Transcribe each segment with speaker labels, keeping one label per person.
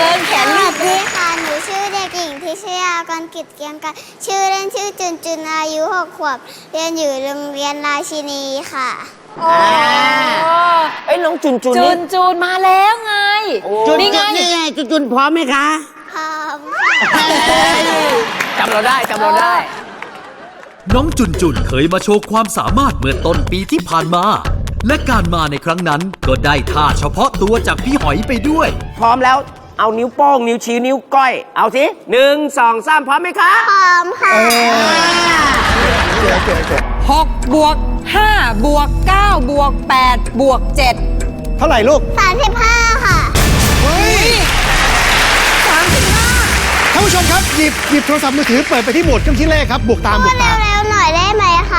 Speaker 1: ชิญแขน
Speaker 2: ส
Speaker 1: ลู
Speaker 2: วั
Speaker 1: ก
Speaker 2: สดีค่ะ หนูชื่อเด็กหญิงทิชยากรกิจเกียงกันชื่อเล่นชื่อจุนจุนอายุ6 ขวบ เรียนอยู่โรงเรียนราชินีค่ะ
Speaker 3: เอ้ยน้องจุน
Speaker 1: จู
Speaker 3: นี่
Speaker 1: นจูนมาแล้วไง
Speaker 4: นี่ไงจุนพร้อมไหมคะ
Speaker 2: พร้อม
Speaker 3: จำเราได้จำเราได้
Speaker 5: น้องจุนจุนเคยมาโชว์ความสามารถเมื่อต้นปีที่ผ่านมา และการมาในครั้งนั้นก็ได้ท่าเฉพาะตัวจากพี่หอยไปด้วย
Speaker 3: พร้อมแล้วเอานิ้วโป้งนิ้วชี้นิ้วก้อยเอาสิ1 2 3พร้อมไหมคะ
Speaker 2: พร้อมค่ะ
Speaker 1: 6 บวก 5 บวก 9 บวก 8 บวก 7
Speaker 6: เท่าไหร่ลูก
Speaker 2: 35 ค่ะ
Speaker 6: เฮ้ยท่านผู้ชมครับหยิบโทรศัพท์มือถือเปิดไปที่โหมดเครื่องคิดเลขครับ บวกตาม
Speaker 2: พู
Speaker 6: บว
Speaker 2: ด
Speaker 6: กตาม
Speaker 2: เร็วๆหน่อยได้ไหมคะ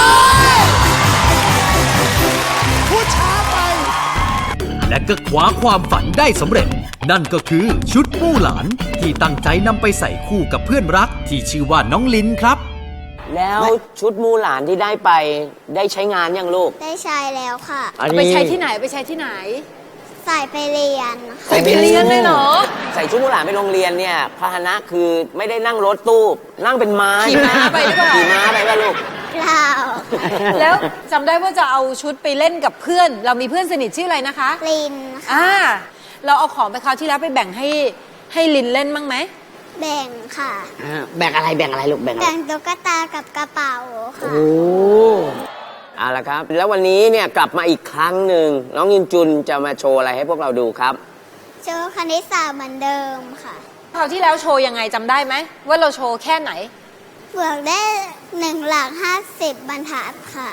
Speaker 6: พูดช้าไป
Speaker 5: และก็คว้าความฝันได้สำเร็จ นั่นก็คือชุดมู่หลานที่ตั้งใจนำไปใส่คู่กับเพื่อนรักที่ชื่อว่าน้องลินครับ
Speaker 3: แล้วชุดมูหลานที่ได้ไปได้ใช้งานยังลูก
Speaker 2: ได้ใช้แล้วค่ะ
Speaker 1: ไปใช้ที่ไหนไปใช้ที่ไหน
Speaker 2: ใส่ไปเรียนค่ะ
Speaker 1: ใส่ไปเรียนเลยเหรอ
Speaker 3: ใส่ชุดมูหลานไปโรงเรียนเนี่ยพาหนะคือไม่ได้นั่งรถตู้นั่งเป็นม้า
Speaker 1: ขี่ม้าไปหรือเปล่า
Speaker 3: ขี่ม้าไปป่ะลูก
Speaker 2: เปล่า
Speaker 1: แล้วจำได้ว่าจะเอาชุดไปเล่นกับเพื่อน เรามีเพื่อนสนิทชื่ออะไรนะคะ
Speaker 2: ลินค่ะ
Speaker 1: เราเอาของไปคราวที่แล้วไปแบ่งให้ลินเล่นบ้างไหม
Speaker 2: แบ่งค่ะ
Speaker 4: แบ่งอะไรลูกแบ่งอะไร
Speaker 2: แบ่งตุ๊กตากับกระเป๋าค่ะ
Speaker 3: เอาละครับ แล้ววันนี้เนี่ยกลับมาอีกครั้งหนึ่งน้องยินจุนจะมาโชว์อะไรให้พวกเราดูครับ
Speaker 2: โชว์คณิตศาสตร์เหมือนเดิมค่ะ
Speaker 1: คราวที่แล้วโชว์ยังไงจำได้ไหมว่าเราโชว์แค่ไหน
Speaker 2: บวกได้1 หลัก 50 บรรทัดค่ะ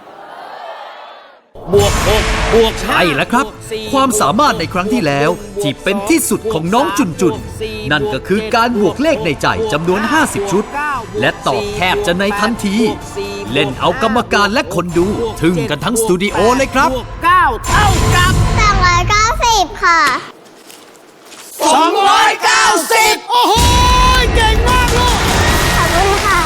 Speaker 5: บวก6บวกใช่แล้วครับ ความสามารถในครั้งที่แล้วที่เป็นที่สุดของน้องจุนจุนนั่นก็คือการบวกเลขในใจจำนวน50 ชุด และตอบแทบจะในทันที เล่นเอากรรมการและคนดูทึ่งกันทั้งสตูดิโอเลยครับ
Speaker 3: 9 เท่ากับ
Speaker 2: 290 ค่ะ
Speaker 3: 290
Speaker 6: โอ้โห เก่งมากลูก
Speaker 2: ขอบคุณค่ะ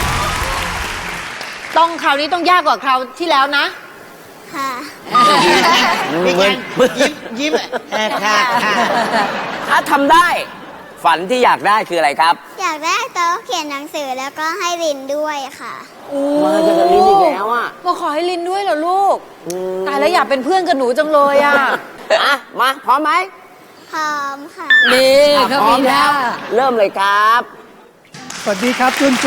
Speaker 1: ต้องคราวนี้ต้องยากกว่าคราวที่แล้วนะ
Speaker 2: ค่ะ
Speaker 4: ยิ้มค่ะ
Speaker 3: ถ้าทำได้ฝันที่อยากได้คืออะไรครับ
Speaker 2: อยากได้โต๊ะเขียนหนังสือแล้วก็ให้ลินด้วยค่ะ
Speaker 3: มาจากลินอีกแล้วอ่ะ
Speaker 1: มาขอให้ลินด้วยเหรอลูก ตายแล้วอยากเป็นเพื่อนกับหนูจังเลยอ่ะ
Speaker 3: อ่ะ มาพร้อมไหม
Speaker 2: พร้อมค่ะ
Speaker 1: นี่
Speaker 3: พร้อมแล้ว เริ่มเลยครับ
Speaker 6: สวัสดีครับจุน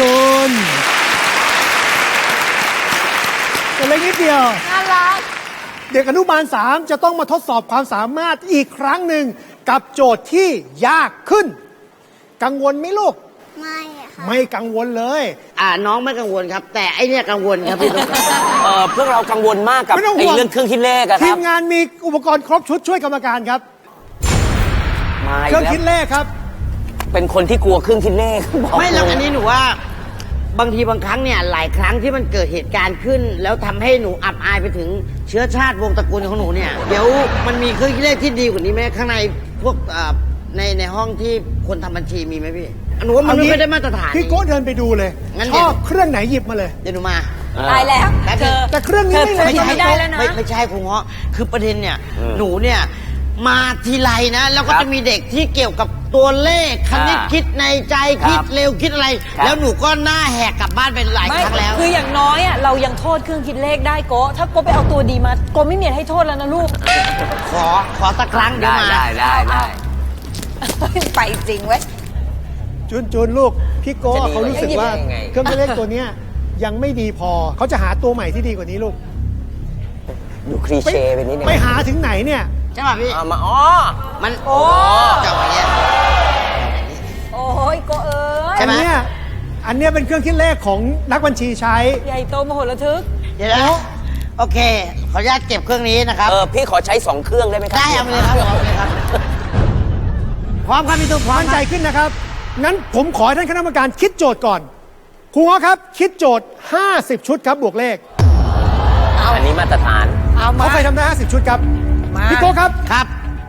Speaker 6: ตัวเล็กนิดเดียว
Speaker 1: น่ารัก
Speaker 6: เด็กอนุบาล 3 จะต้องมาทดสอบความสามารถอีกครั้งหนึ่งกับโจทย์ที่ยากขึ้น กังวลไหมลูก
Speaker 2: ไม่ค่ะ
Speaker 6: ไม่กังวลเลย
Speaker 4: น้องไม่กังวลครับ แต่ไอเนี่ยกังวลครับพี่ตุ๊ก
Speaker 3: พวกเรากังวลมากกับ
Speaker 6: ไม่ต้องห่
Speaker 3: ไอ้
Speaker 6: วง
Speaker 3: เรื่องเครื่องคิดเลขอะค
Speaker 6: ที
Speaker 3: รับ
Speaker 6: มงานมีอุปกรณ์ครบชุดช่วยกรรมการครับ
Speaker 3: มาอี
Speaker 6: เค
Speaker 3: ก
Speaker 6: รื่อง
Speaker 3: แล้ว
Speaker 6: คิดเลขครับ
Speaker 3: เป็นคนที่กลัวเครื่องคิดเลขบอก
Speaker 4: ไม่หรอก
Speaker 3: เลย
Speaker 4: อันนี้หนูว่าบางทีบางครั้งเนี่ยหลายครั้งที่มันเกิดเหตุการณ์ขึ้น แล้วทำให้หนูอับอายไปถึงเชื้อชาติวงศ์ตระกูลของหนูเนี่ยเดี๋ยวมันมีเครื่องคิดเลขที่ดีกว่านี้ไหมข้างในพวกในห้องที่คนทำบัญชีมีไหมพี่หนูว่ามันไม่ได้มาตรฐาน
Speaker 6: พี่โก้เดินไปดูเลย
Speaker 4: งั้น
Speaker 6: ชอบเครื่องไหนหยิบมาเลย
Speaker 4: เดี๋ยวหนูมา
Speaker 1: ตายแล้ว
Speaker 4: เธอ
Speaker 6: แต่เครื่องนี้ไม่เลย
Speaker 1: ไม่ใช่ได้แล้วนะ
Speaker 4: ไม่ใช่ครูเงาะคือประเด็นเนี่ยหนูเนี่ยมาทีไรนะแล้วก็จะมีเด็กที่เกี่ยวกับตัวเลขคณิตคิดในใจคิดเร็วคิดอะไร แล้วหนูก็หน้าแหกกลับบ้านไปหลายครั้งแล้ว
Speaker 1: คืออย่างน้อยอ่ะเรายังโทษเครื่องคิดเลขได้โกะถ้าโกะไปเอาตัวดีมาโกะไม่มีอะไรให้โทษแล้วนะลูก
Speaker 4: ขอสักครั้งเดี๋ยวมา
Speaker 3: ได้
Speaker 1: ไปจริงเว้ย
Speaker 6: จุนลูก พี่โก้
Speaker 3: จะดี
Speaker 6: เขารู้สึกว่า
Speaker 3: ยังไง
Speaker 6: เครื่องคิดเลขตัวเนี้ยยังไม่ดีพอเขาจะหาตัวใหม่ที่ดีกว่านี้ลูก
Speaker 3: ดูคลีเช่ไปนิดนึง
Speaker 6: ไปหาถึงไหนเนี่ย
Speaker 4: ใช่ป่ะพี่
Speaker 3: เอามา
Speaker 4: มัน
Speaker 1: โอ้
Speaker 4: จังหวะเนี้ย
Speaker 1: โอ้ยโกะเอ้ย
Speaker 4: ใช่ไหม
Speaker 6: อันเนี้ยเป็นเครื่องคิดเลขของนักบัญชีใช้
Speaker 1: ใหญ่โตมโหฬารทึก
Speaker 4: เดี๋ยวนะโอเค ขออนุญาตเก็บเครื่องนี้นะครับ
Speaker 3: พี่ขอใช้2เครื่องได้ไหมครับ
Speaker 4: ได้เอาไปเลยครับเอาไปเลยครับ พร้อมครับพี่ตุ๊กพร้อม
Speaker 6: มั่นใจขึ้นนะครับ งั้นผมขอให้ท่านคณะกรรมการคิดโจทย์ก่อน ครูง้อครับ คิดโจทย์ 50 ชุดครับบวกเลข
Speaker 3: อันนี้มาตรฐาน
Speaker 1: เอามา
Speaker 6: เขาเคยทำได้ 50 ชุดครับ
Speaker 1: มา
Speaker 6: พี่โก้ครับ
Speaker 4: ครับ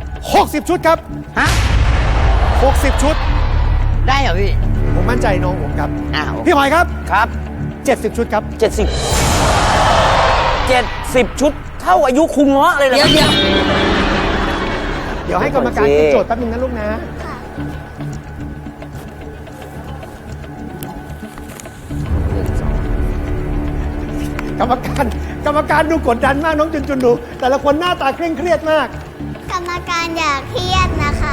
Speaker 6: 60 ชุดครับ
Speaker 4: ฮะ
Speaker 6: 60 ชุด
Speaker 4: ได้เหรอพี่
Speaker 6: ผมมั่นใจน้องผมครับ
Speaker 4: โอเค
Speaker 6: พี่หอยครับ
Speaker 3: ครับ
Speaker 6: 70 ชุดครับ
Speaker 3: 70ชุดเท่าอายุคุงเงาะเลยนะ
Speaker 1: เดี๋ยว
Speaker 6: เดี๋ยวให้กรรมการคิดโจทย์แป๊บนึงนะลูกนะ
Speaker 2: ค่ะ
Speaker 6: กรรมการดูกดดันมากน้องจุนจุนดู แต่ละคนหน้าตาเคร่งเครียดมาก
Speaker 2: กรรมการอยากเครียดนะคะ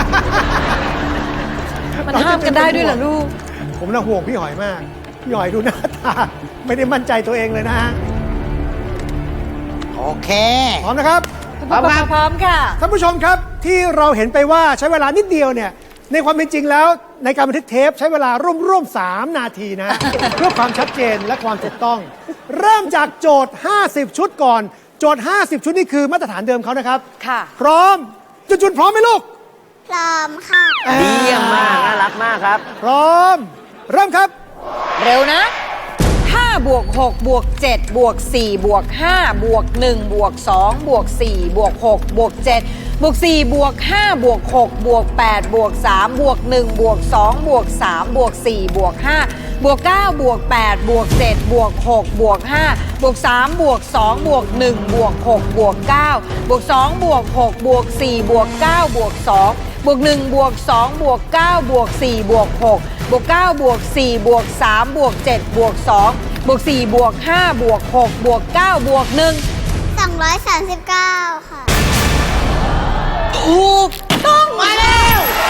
Speaker 1: มันห้ามกันได้ด้วยเหรอลูก
Speaker 6: ผมน่าห่วงพี่หอยมาก พี่หอยดูหน้าตา ไม่ได้มั่นใจตัวเองเลยนะฮะ
Speaker 4: โอเค
Speaker 6: พร้อมนะครับ
Speaker 4: พร้อมครับ
Speaker 1: พร้อมค่ะ
Speaker 6: ท่านผู้ชมครับที่เราเห็นไปว่าใช้เวลานิดเดียวเนี่ยในความเป็นจริงแล้วในการบันทึกเทปใช้เวลาร่วม3 นาทีนะ เพื่อความชัดเจนและความถูกต้อง เริ่มจากโจทย์ 50 ชุดก่อน โจทย์ 50 ชุดนี่คือมาตรฐานเดิมเขานะครับ
Speaker 1: ค่ะ
Speaker 6: พร้อมจุนพร้อมไหมลูก
Speaker 2: พร้อมค่ะ
Speaker 3: ดีเยี่ยมมากน่ารักมากครับ
Speaker 6: พร้อม เริ่มครับ
Speaker 1: เร็วนะ5บวก6บวก7บวก4บวก5บวก1บวก2บวก4บวก6บวก7บวก4บวก5บวก6บวก8บวก3บวก1บวก2บวก3บวก4บวก5บวก9บวก8บวก7บวก6บวก5บวก3บวก2บวก1บวก6บวก9บวก2บวก6บวก4บวก9บวก2บวก1บวก2บวก9บวก4บวก6บวก9บวก4บวก3บวก7บวก2บวก4บวก5บวก6บวก9บวก1
Speaker 2: 239 ค่ะ
Speaker 1: ถูกต้องมาแล้ว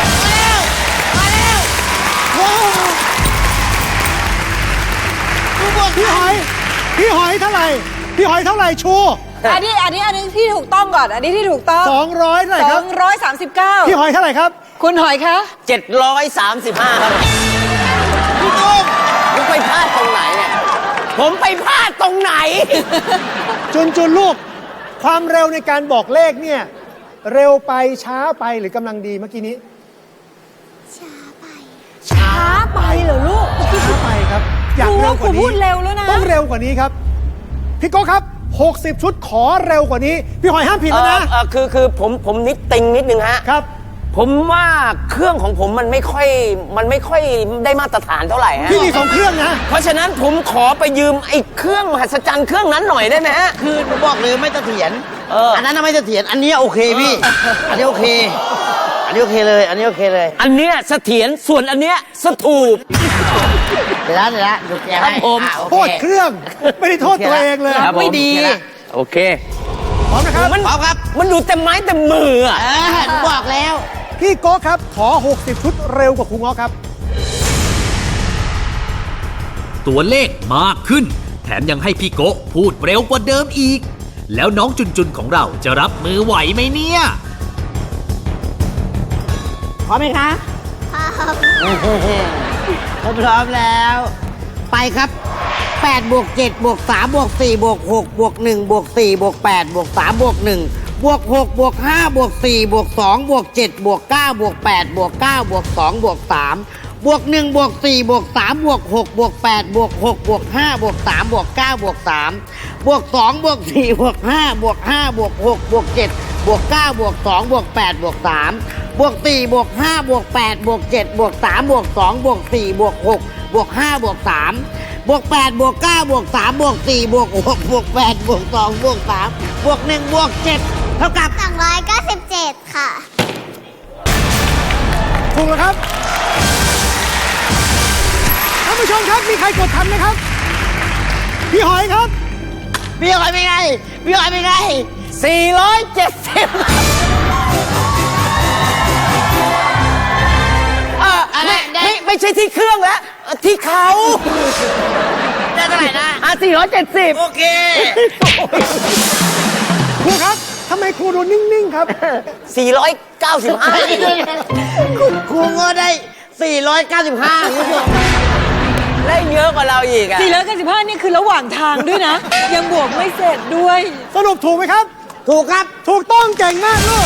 Speaker 6: พี่หอยเท่าไหร่ พี่หอยเท่าไหร่ชู
Speaker 1: อันนี้ที่ถูกต้องก่อน อันนี้ที่ถูกต้อง
Speaker 6: 200เท่าไหร่ครับ
Speaker 1: 239
Speaker 6: พี่หอยเท่าไหร่ครับ
Speaker 1: คุณหอยคะ
Speaker 3: 735 ครับพี่ตุ๊กผมไปพลาดตรงไหนเนี่ย ผมไปพลาดตรงไหน
Speaker 6: จุนลูก ความเร็วในการบอกเลขเนี่ย เร็วไปช้าไปหรือกำลังดีเมื่อกี้นี้
Speaker 2: ช้าไป
Speaker 1: ช้าไปเหรอลูก
Speaker 6: ช้าไปครับ อยากเร็วกว่า
Speaker 1: ครู
Speaker 6: นี้
Speaker 1: พูดเร็วแล้วนะ
Speaker 6: ต้องเร็วกว่านี้ครับ พี่โก้ครับ 60 ชุดขอเร็วกว่านี้ พี่หอยห้ามผิดแล้วนะ
Speaker 3: คือผมนิดติงนิดนึงฮะ
Speaker 6: ครับ
Speaker 3: ผมว่าเครื่องของผมมันไม่ค่อยได้มาตรฐานเท่าไหร่ฮะ
Speaker 6: พี่มี2เครื่องนะ
Speaker 3: เพราะฉะนั้นผมขอไปยืมไอ้เครื่องมหัศจรรย์เครื่องนั้นหน่อยได้ไหมฮะ
Speaker 4: คือผมบอกเลยไม่เสถียร
Speaker 3: อั
Speaker 4: นนั้นน่ะไม่เสถียรอันนี้โอเคพี่ อันนี้โอเค อันนี้โอเคเลย อันนี้โอเคเลย
Speaker 3: อันเนี้ยเสถียรส่วนอันเนี้ยสถูป
Speaker 4: เดี๋ยวนะดูแก
Speaker 3: ครั
Speaker 4: ให้
Speaker 3: บผม
Speaker 4: อ่ะโอ
Speaker 6: โทษ
Speaker 4: เค
Speaker 6: เครื่อง ไม่ได้โทษตัวเองเลย
Speaker 3: ครับผม
Speaker 1: ไม่ดี
Speaker 3: โอเค
Speaker 6: พร้อมนะครับ
Speaker 3: มัน
Speaker 4: พร้อมครับ
Speaker 3: มันดูเต็มไม้เต็มมืออ่ะ
Speaker 4: ผมบอกแล้ว
Speaker 6: พี่โก้ครับ ขอ 60 ชุดเร็วกว่าครูง้อครับ
Speaker 5: ตัวเลขมากขึ้น แถมยังให้พี่โกะพูดเร็วกว่าเดิมอีก แล้วน้องจุนของเราจะรับมือไหวไหมเนี่ย
Speaker 4: พร้อมไหมคะ
Speaker 2: พร้อม
Speaker 4: ผมพร้อมแล้ว ไปครับ8บวก7บวก3บวก4บวก6บวก1บวก4บวก8บวก3บวก1บวก6บวก5บวก4บวก2บวก7บวก9บวก8บวก9บวก2บวก3บวก1บวก4บวก3บวก6บวก8บวก6บวก5บวก3บวก9บวก3บวก2บวก4บวก5บวก5บวก6บวก7บวก9บวก2บวก8บวก3บวก4บวก5บวก8บวก7บวก3บวก2บวก4บวก6บวก5บวก3บวก8บวก9บวก3บวก4บวก6บวก8บวก2บวก3บวก1บวก7เท่ากับ
Speaker 2: 297 ค่ะ
Speaker 6: ถูกแล้วครับ ท่านผู้ชมครับ มีใครกดทันไหมครับ พี่หอยครับ
Speaker 4: พี่หอยเป็นไงพี่หอยเป็นไง
Speaker 3: ไม่ใช่ที่เครื่องแล้วที่เขา
Speaker 4: ได้เท่าไหร่นะ
Speaker 3: 470
Speaker 4: โอเค
Speaker 6: ครูครับทำไมครูดูนิ่ง ๆ ครับ
Speaker 3: 495
Speaker 4: ครูงอได้ 495คุณผู้ชม
Speaker 3: ได้เยอะกว่าเราอีกอ่ะ
Speaker 1: 495นี่คือระหว่างทางด้วยนะ ยังบวกไม่เสร็จด้วย
Speaker 6: สรุปถูกไหมครับ
Speaker 4: ถูกครับ
Speaker 6: ถูกต้องเก่งมากลูก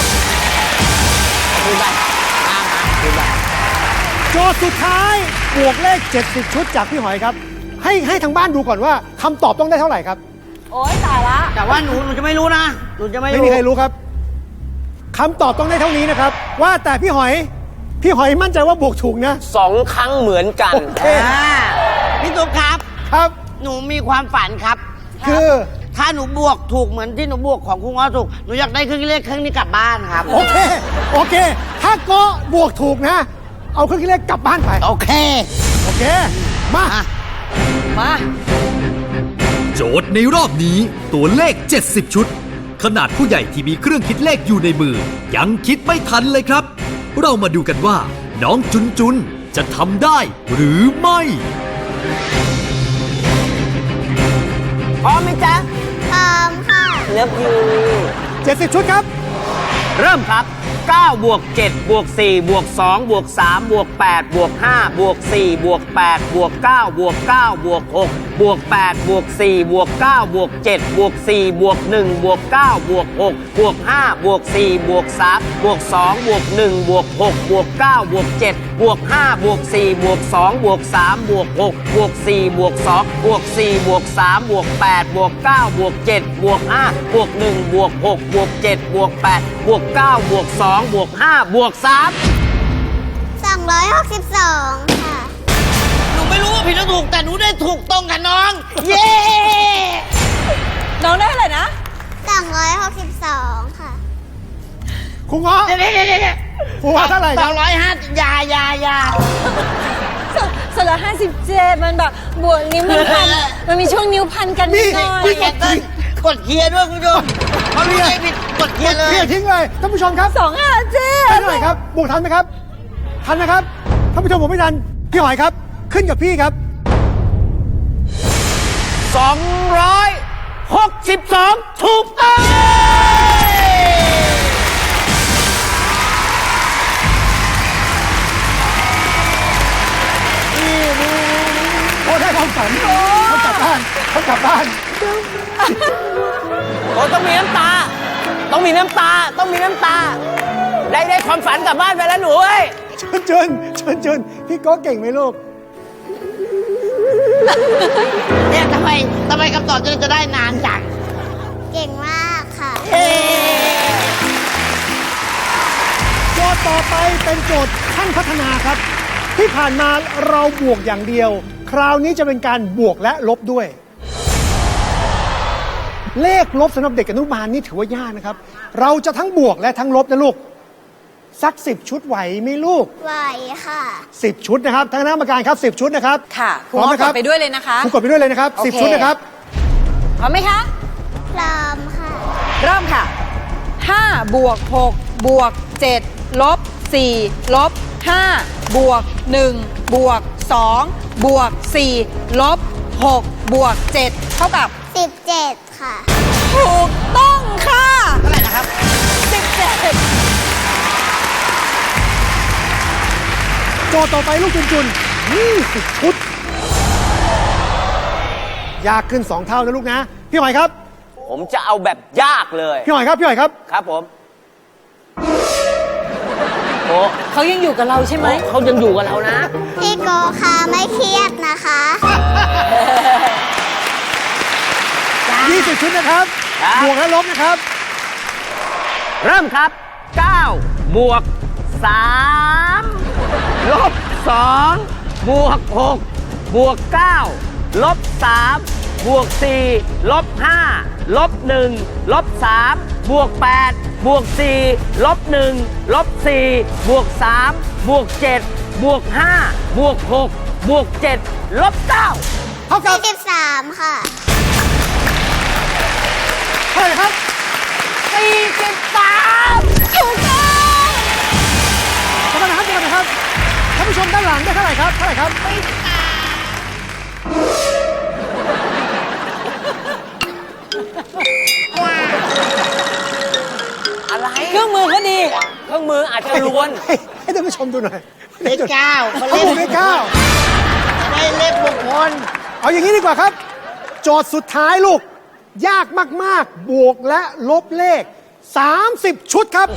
Speaker 6: โจทย์สุดท้ายบวกเลข 70 ชุดจากพี่หอยครับ ให้ทางบ้านดูก่อนว่าคำตอบต้องได้เท่าไหร่ครับ
Speaker 1: โอ๊ยตายละ
Speaker 4: แต่ว่าหนูจะไม่รู้นะ หนูจะไม่
Speaker 6: ไม่มีใครรู้ครับคำตอบต้องได้เท่านี้นะครับ ว่าแต่พี่หอยมั่นใจว่าบวกถูกนะ
Speaker 3: 2 ครั้งเหมือนกัน
Speaker 6: เอ๊ะ
Speaker 4: พี่ตุ๊กครับ
Speaker 6: ครับ
Speaker 4: หนูมีความฝันครับ
Speaker 6: คือ
Speaker 4: ถ้าหนูบวกถูกเหมือนที่หนูบวกของคุณง้อถูก หนูอยากได้เครื่องคิดเลขเครื่องนี้กลับบ้านครับ
Speaker 6: โอเค โอเค ถ้าโก็บวกถูกนะ เอาเครื่องคิดเลขกลับบ้านไป
Speaker 4: โอเค
Speaker 6: โอเค มา
Speaker 1: มา
Speaker 5: โจทย์ในรอบนี้ตัวเลข 70 ชุด ขนาดผู้ใหญ่ที่มีเครื่องคิดเลขอยู่ในมือ ยังคิดไม่ทันเลยครับ เรามาดูกันว่า น้องจุนจุนจะทำได้หรือไม่
Speaker 3: พร้อมไหมจ๊ะ
Speaker 2: พร้อมค่ะ
Speaker 3: เลิฟยู
Speaker 6: 70 ชุดครับ
Speaker 3: เริ่มครับ 9 บวก 7 บวก 4 บวก 2 บวก 3 บวก 8 บวก 5 บวก 4 บวก 8 บวก 9 บวก 9 บวก 6 บวก 8 บวก 4 บวก 9 บวก 7 บวก 4 บวก 1 บวก 9 บวก 6 บวก 5 บวก 4 บวก 3 บวก 2 บวก 1 บวก 6 บวก 9 บวก 7 บวก 5 บวก 4 บวก 2 บวก 3 บวก 6 บวก 4 บวก 2 บวก 4 บวก 3 บวก 8 บวก 9 บวก 7 บวก 5 บวก 1 บวก 6 บวก 7 บวก 8 บวก 9 บวก 2 บวก 5 บวก 3
Speaker 2: 262 ค่ะ
Speaker 4: หนูไม่รู้ว่าผิดหรือถูก แต่หนูได้ถูกตรงกับน้อง เย้
Speaker 1: น้องได้เท่าไหร่นะ
Speaker 2: 262 ค่ะ
Speaker 6: ครูเงาะ
Speaker 4: เดี๋ยว
Speaker 6: ครูเงาะเท่าไหร่ครับ
Speaker 4: 250ยา
Speaker 1: สละ57 มันแบบบวกนิ้วมันพัน มันมีช่วงนิ้วพันกันนิดหน่อย
Speaker 6: นี่
Speaker 4: กดเคลียร์ด้วยคุณผู้ชมเขาเรียกผิดกดเคลียร์เลย
Speaker 6: เรียกทิ้งเลยท่านผู้ชมครับ
Speaker 1: 257
Speaker 6: ได้เท่าไหร่ครับ บวกทันไหมครับ ทันนะครับ ท่านผู้ชมผมไม่ทัน พี่หอยครับ ขึ้นกับพี่ครับ
Speaker 3: 262 ถูกต้อง
Speaker 6: โอ้ได้ความฝันเขากลับบ้านเขากลับบ้าน
Speaker 3: โอ้ต้องมีน้ำตา ต้องมีน้ำตา ต้องมีน้ำตา ได้ความฝันกลับบ้านไปแล้วหนูเอ้ย
Speaker 6: เชิญพี่โก้เก่งไหมลูก
Speaker 4: เนี่ยทำไมคำตอบจะได้นานจัง
Speaker 2: เก่งมากค่ะ
Speaker 6: โจทย์ต่อไปเป็นโจทย์ขั้นพัฒนาครับ ที่ผ่านมาเราบวกอย่างเดียว คราวนี้จะเป็นการบวกและลบด้วย เลขลบสำหรับเด็กอนุบาลนี่ถือว่ายากนะครับ เราจะทั้งบวกและทั้งลบนะลูก สัก 10 ชุดไหวไหมลูก
Speaker 2: ไหวค่ะ
Speaker 6: 10 ชุดนะครับทั้งคณะกรรมการครับ 10 ชุดนะครับ
Speaker 1: ค่ะครู
Speaker 6: พร้อม
Speaker 1: ง้อ
Speaker 6: นะค
Speaker 1: ก
Speaker 6: รั
Speaker 1: ดไปด้วยเลยนะคะ
Speaker 6: ครูกดไปด้วยเลยนะครับ
Speaker 1: โอเค
Speaker 6: 10 ชุดนะครับ
Speaker 1: พร้อมไหมคะ
Speaker 2: พร้อมค่ะ
Speaker 1: เริ่มค่ะ 5 บวก 6 บวก 7 ลบ 4 ลบ 5 บวก 1 บวก 2 บวก 4 ลบ 6 บวก 7 เท่ากับ
Speaker 2: 17 ค่ะ
Speaker 1: ถูกต้องค่ะ เท่าไหร่นะครับ 17
Speaker 6: โจทย์ต่อไปลูกจุน20 ชุด ยากขึ้น 2 เท่านะลูกนะ พี่หอยครับ
Speaker 3: ผมจะเอาแบบยากเลย
Speaker 6: พี่หอยครับ พี่หอยครับ
Speaker 3: ครับผม โอ้
Speaker 1: เขายังอยู่กับเราใช่ไหม
Speaker 3: เขายังอยู่กับเรานะ
Speaker 2: พี่โกค่ะไม่เครียดนะคะ
Speaker 6: 20 ชุดนะครับ
Speaker 3: ครับ
Speaker 6: บวกและลบนะครับ
Speaker 3: เริ่มครับ 9 บวก 3 ลบ 2 บวก 6 บวก 9 ลบ 3 บวก 4 ลบ 5 ลบ 1 ลบ 3 บวก 8 บวก 4 ลบ 1 ลบ 4 บวก 3 บวก 7 บวก 5 บวก 6 บวก 7 ลบ 9
Speaker 6: เท่ากับ
Speaker 2: 43 ค่ะ
Speaker 6: เท่าไหร่ครับ
Speaker 3: 43
Speaker 1: ถูกต้อง
Speaker 6: ขอบคุณนะครับขอบคุณนะครับ ท่านผู้ชมด้านหลังได้เท่าไหร่ครับ เท่าไหร่ครับ
Speaker 3: อะไร
Speaker 1: เครื่องมือเขาดี
Speaker 3: เครื่องมืออาจจะล้วน
Speaker 6: ให้ท่านผู้ชมดูหน่อย
Speaker 4: เลข 9เขา
Speaker 6: เขา
Speaker 4: เล่
Speaker 6: บวน กเลขเก้า
Speaker 4: ได้เลขมงคล
Speaker 6: เอาอย่างนี้ดีกว่าครับ โจทย์สุดท้ายลูก ยากมาก ๆ บวกและลบเลข 30 ชุดครับ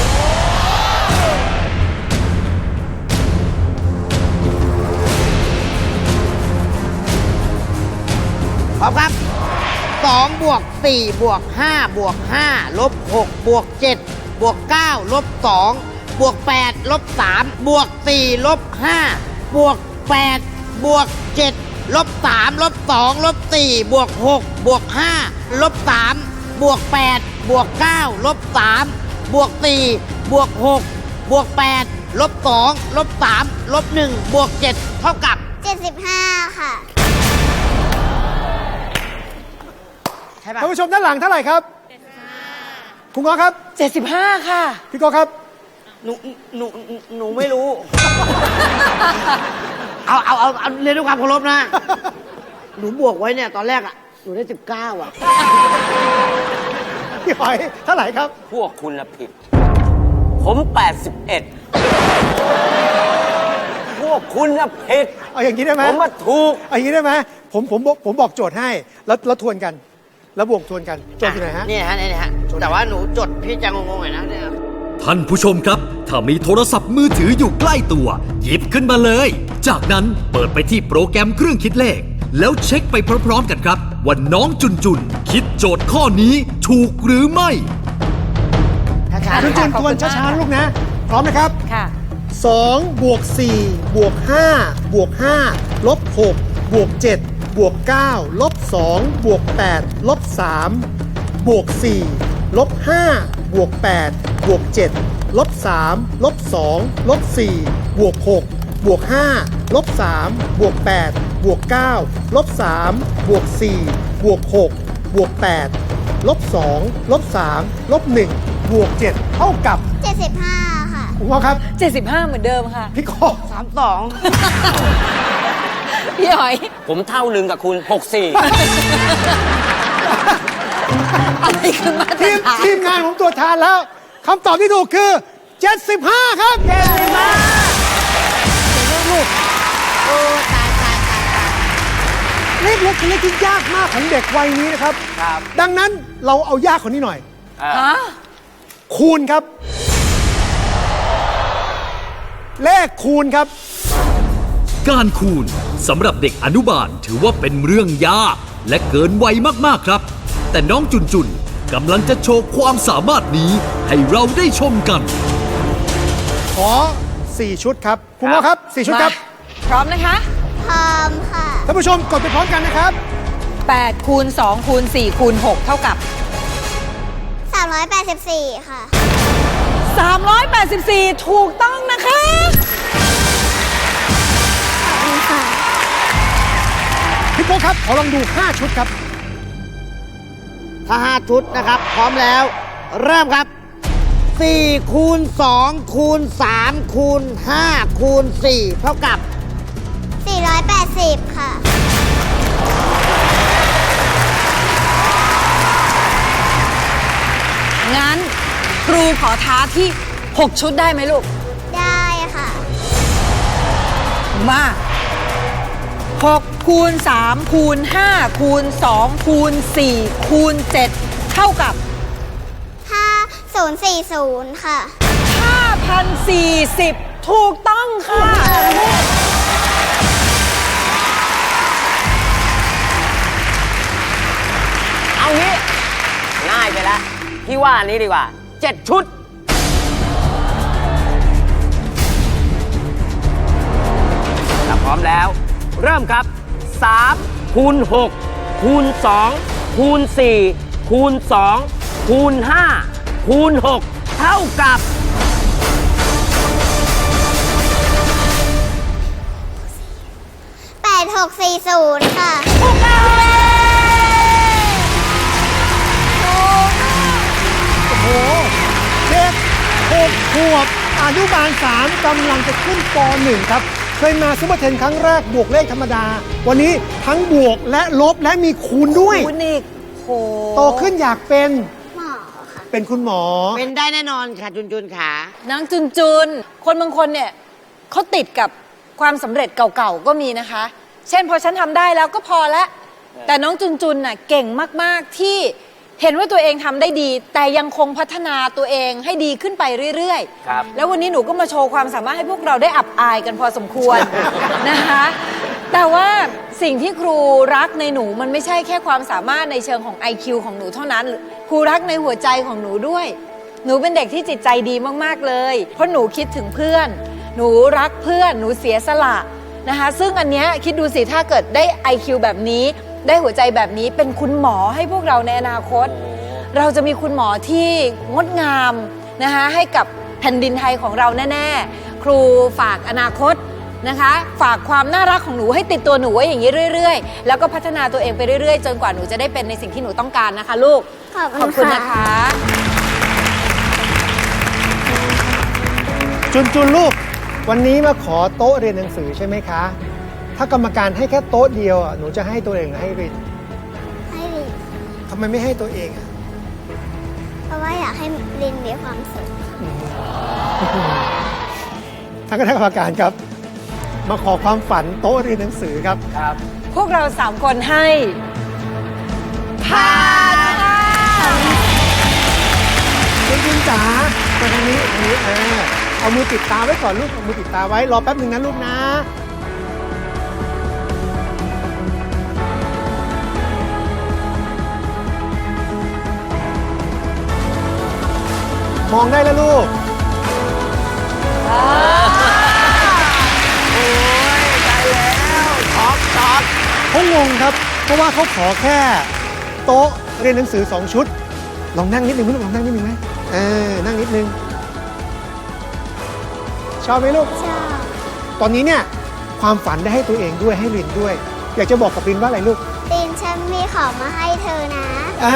Speaker 4: พร้อมครับ2บวก4บวก5บวก5ลบ6บวก7บวก9ลบ2บวก8ลบ3บวก4ลบ5บวก8บวก7 ลบ3ลบ2ลบ4บวก6บวก5ลบ3บวก8บวก9ลบ3บวก4บวก6บวก8ลบ2ลบ3ลบ1บวก7เท่ากับ
Speaker 2: 75 ค่ะ
Speaker 4: ใช่ปะ
Speaker 6: ท่านผู้ชมด้านหลังเท่าไหร่ครับคุณง้อครับ
Speaker 1: 75 ค่ะ
Speaker 6: พี่โกครับ
Speaker 4: หนูไม่รู้ เอาเรียนด้วยความเคารพนะ หนูบวกไว้เนี่ยตอนแรกอ่ะ หนูได้19อ่ะ
Speaker 6: พี่หอยเท่าไหร่ครับ
Speaker 3: พวกคุณละผิด ผม 81 พวกคุณละผิด
Speaker 6: เอาอย่างนี้ได้ไหม
Speaker 3: ผมมาถูก
Speaker 6: เอาอย่างนี้ได้ไหมผมบอกโจทย์ให้แล้วทวนกัน แล้วบวกทวนกันโจทย์อยู่ไหนฮะ
Speaker 4: นี่ฮะนี่ฮะ แต่ว่าหนูจดพี่จะงงๆหน่อยนะเนี่ย
Speaker 5: ท่านผู้ชมครับ ถ้ามีโทรศัพท์มือถืออยู่ใกล้ตัว หยิบขึ้นมาเลย จากนั้นเปิดไปที่โปรแกรมเครื่องคิดเลข แล้วเช็คไปพร้อมๆกันครับว่าน้องจุนคิดโจทย์ข้อนี้ถูกหรือไม่
Speaker 6: จุนจุนทวนช้าๆลูกนะ พร้อมนะครับ
Speaker 1: ค่ะ
Speaker 6: 2 บวก 4 บวก 5 บวก 5 ลบ 6 บวก 7 บวก 9 ลบ 2 บวก 8 ลบ 3 บวก 4 ลบ 5 บวก 8 บวก 7 ลบ 3 ลบ 2 ลบ 4 บวก 6 บวก 5 ลบ 3 บวก 8 บวก 9 ลบ 3 บวก 4 บวก 6 บวก 8 ลบ 2 ลบ 3 ลบ 1 บวก 7 เท่ากับ
Speaker 2: 75 ค่ะ
Speaker 6: คุณพ่อครับ
Speaker 1: 75 เหมือนเดิมค่ะ
Speaker 6: พี่โก
Speaker 4: 32
Speaker 1: พี่หอย
Speaker 3: ผมเท่าหนึ่งกับคุณ 64
Speaker 1: อะไรคือมาตร
Speaker 6: ทีม
Speaker 1: ฐาน
Speaker 6: ทีมงานผมตรวจทานแล้วคำตอบที่ถูกคือ 75 ครับ
Speaker 4: โอ้ตาย
Speaker 6: เลขเล็กเป็นเลขที่ยากมากของเด็กวัยนี้นะครับ
Speaker 3: ครับ
Speaker 6: ดังนั้นเราเอายากคนนี้หน่อย
Speaker 1: ฮะ
Speaker 6: คูณครับ เลขคูณครับ
Speaker 5: การคูณสำหรับเด็กอนุบาลถือว่าเป็นเรื่องยากและเกินวัยมากๆครับ แต่น้องจุนกำลังจะโชว์ความสามารถนี้ให้เราได้ชมกัน
Speaker 6: ขอ 4 ชุดครับ คุณพ่อครับ 4 ชุดครับ
Speaker 1: พร้อมนะคะ
Speaker 2: พร้อมค่ะ
Speaker 6: ท่านผู้ชมกดไปพร้อมกันนะครับ
Speaker 1: 8 คูณ 2 คูณ 4 คูณ 6 เท่ากับ
Speaker 2: 384 ค่ะ
Speaker 1: 384 ถูกต้องนะคะ
Speaker 6: พี่โป๊กครับ ขอลองดู 5 ชุดครับ
Speaker 4: ถ้า5ชุดนะครับ พร้อมแล้ว เริ่มครับ4คูณ2คูณ3คูณ5คูณ4เท่ากับ
Speaker 2: 480 ค่ะ
Speaker 1: งั้นครูขอท้าที่ 6 ชุดได้ไหมลูก
Speaker 2: ได้ค่ะ
Speaker 1: มา 6 คูณ 3 คูณ 5 คูณ 2 คูณ 4 คูณ 7 เท่ากับ
Speaker 2: 5040 ค่ะ
Speaker 1: 5,040 ถูกต้องค่ะ
Speaker 3: เอางี้ ง่ายไปแล้ว พี่ว่าอันนี้ดีกว่า 7 ชุด ถ้าพร้อมแล้ว เริ่มครับ 3 คูณ 6 คูณ 2 คูณ 4 คูณ 2 คูณ 5 คูณ 6 เท่ากับ
Speaker 2: 8640 ค่ะ
Speaker 6: โอ้โห เด็ก6 ขวบอนุบาล 3กำลังจะขึ้นป .1 ครับ เคยมาซุปเปอร์เทนครั้งแรกบวกเลขธรรมดา วันนี้ทั้งบวกและลบและมีคูณด้วย
Speaker 1: คุณอีกโห
Speaker 6: โตขึ้นอยากเป็น
Speaker 2: หมอค่ะ
Speaker 6: เป็นคุณหมอ
Speaker 4: เป็นได้แน่นอนค่ะจุนขา
Speaker 1: นางจุนคนบางคนเนี่ยเขาติดกับความสำเร็จเก่าๆ ก็มีนะคะ เช่นพอฉันทำได้แล้วก็พอแล้ว แต่น้องจุนน่ะเก่งมากๆที่เห็นว่าตัวเองทำได้ดี แต่ยังคงพัฒนาตัวเองให้ดีขึ้นไปเรื่อย
Speaker 3: ครับ
Speaker 1: แล้ววันนี้หนูก็มาโชว์ความสามารถให้พวกเราได้อับอายกันพอสมควร นะคะ แต่ว่าสิ่งที่ครูรักในหนูมันไม่ใช่แค่ความสามารถในเชิงของ IQ ของหนูเท่านั้น ครูรักในหัวใจของหนูด้วย หนูเป็นเด็กที่จิตใจดีมากๆเลย เพราะหนูคิดถึงเพื่อน หนูรักเพื่อน หนูเสียสละนะคะ ซึ่งอันเนี้ยคิดดูสิถ้าเกิดได้ IQ แบบนี้ได้หัวใจแบบนี้เป็นคุณหมอให้พวกเราในอนาคต เราจะมีคุณหมอที่งดงามนะคะให้กับแผ่นดินไทยของเราแน่ๆ ครูฝากอนาคตนะคะ ฝากความน่ารักของหนูให้ติดตัวหนูไว้อย่างนี้เรื่อยๆ แล้วก็พัฒนาตัวเองไปเรื่อยๆ จนกว่าหนูจะได้เป็นในสิ่งที่หนูต้องการนะคะลูก
Speaker 2: ขอบคุณ
Speaker 1: นะคะ
Speaker 6: จุนลูก วันนี้มาขอโต๊ะเรียนหนังสือใช่ไหมคะ ถ้ากรรมการให้แค่โต๊ะเดียวอ่ะหนูจะให้ตัวเองหรือให้ริน
Speaker 2: ให้ลิน
Speaker 6: ทำไมไม่ให้ตัวเองอ่ะ
Speaker 2: เพราะว่าอยากให้ลินมีความสุข
Speaker 6: ท่านคณะกรรมการครับ มาขอความฝันโต๊ะเรียนหนังสือครับ
Speaker 1: พวกเรา3 คนให้ผ่านค่ะ
Speaker 6: จุนจ๋ามาทางนี้เอามือปิดตาไว้ก่อนลูกเอามือปิดตาไว้รอแป๊บหนึ่งนะลูกนะ มองได้แล้วลูก เขางงครับ เพราะว่าเขาขอแค่โต๊ะเรียนหนังสือ2 ชุด ลองนั่งนิดนึงไหมลูกลองนั่งนิดนึงไหมนั่งนิดนึง ชอบไหมลูก
Speaker 2: ชอบ
Speaker 6: ตอนนี้เนี่ยความฝันได้ให้ตัวเองด้วยให้ลินด้วย อยากจะบอกกับลินว่าอะไรลูก
Speaker 2: ลินฉันมีของมาให้เธอนะ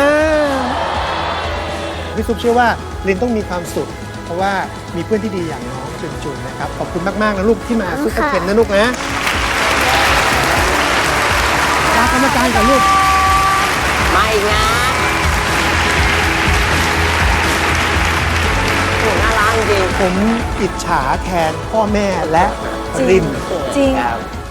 Speaker 6: พี่ซุปเชื่อว่าลินต้องมีความสุข เพราะว่ามีเพื่อนที่ดีอย่างน้องจุนนะครับ ขอบคุณมากๆนะลูกที่มาซุปเปอร์เทนนะลูกนะลากรรมการกับลูก
Speaker 3: ไม่นะโอ้น่ารักจริง
Speaker 6: ผมอิจฉาแทนพ่อแม่และลิน
Speaker 1: จริง
Speaker 3: ครับ